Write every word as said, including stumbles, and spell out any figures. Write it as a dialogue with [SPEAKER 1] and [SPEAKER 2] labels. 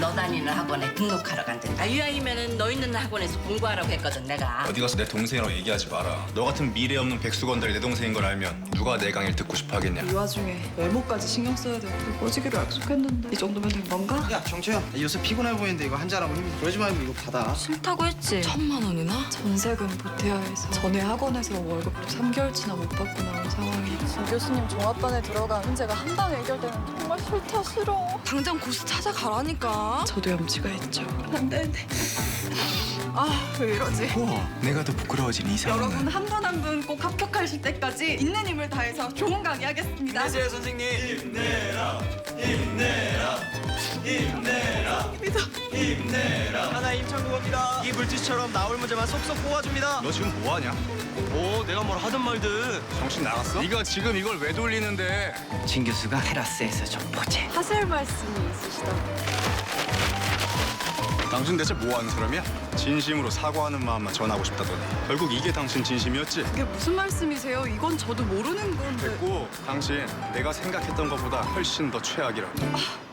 [SPEAKER 1] 너 다니는 학원에 등록하러 간댄다. 이왕이면은 너 있는 학원에서 공부하라고 했거든 내가.
[SPEAKER 2] 어디 가서 내 동생이라고 얘기하지 마라. 너 같은 미래 없는 백수건달이 내 동생인 걸 알면 누가 내 강의를 듣고 싶어 하겠냐.
[SPEAKER 3] 이 와중에 외모까지 신경 써야 되고 꺼지기로 약속했는데 이 정도면 된 건가?
[SPEAKER 4] 야 정채야, 요새 피곤해 보이는데 이거 한잔하고 힘이 그러지 말고 이거 받아.
[SPEAKER 5] 싫다고 했지? 천만 원이나?
[SPEAKER 3] 전세금 보태야 해서 전에 학원에서 월급도 삼 개월치나 못 받고 나온 상황이라 진 교수님 종합반에 들어간 문제가 한 방에 해결되는 정말 싫다 싫어.
[SPEAKER 5] 당장 고수 찾아가라니까.
[SPEAKER 3] 저도 염치가 있죠. 안 되는데. 아, 왜 이러지?
[SPEAKER 4] 우와, 내가 더 부끄러워진 이 상황은.
[SPEAKER 3] 여러분 한 분 한 분 꼭 합격하실 때까지 있는 힘을 다해서 좋은 강의 하겠습니다.
[SPEAKER 4] 안녕하세요 선생님.
[SPEAKER 2] 힘내라, 힘내라, 힘내라,
[SPEAKER 3] 믿어.
[SPEAKER 2] 힘내라.
[SPEAKER 4] 하나 임창국입니다. 이 물티슈처럼 나올 문제만 속속 뽑아줍니다.
[SPEAKER 2] 너 지금 뭐 하냐?
[SPEAKER 4] 오, 내가 뭘 하든 말든.
[SPEAKER 2] 정신 나갔어? 네가 지금 이걸 왜 돌리는데?
[SPEAKER 4] 진 교수가 테라스에서 좀 보재.
[SPEAKER 3] 하실 말씀이 있으시다고.
[SPEAKER 2] 당신 대체 뭐 하는 사람이야? 진심으로 사과하는 마음만 전하고 싶다더니 결국 이게 당신 진심이었지?
[SPEAKER 3] 그게 무슨 말씀이세요? 이건 저도 모르는 건데.
[SPEAKER 2] 됐고, 당신 내가 생각했던 것보다 훨씬 더 최악이라고.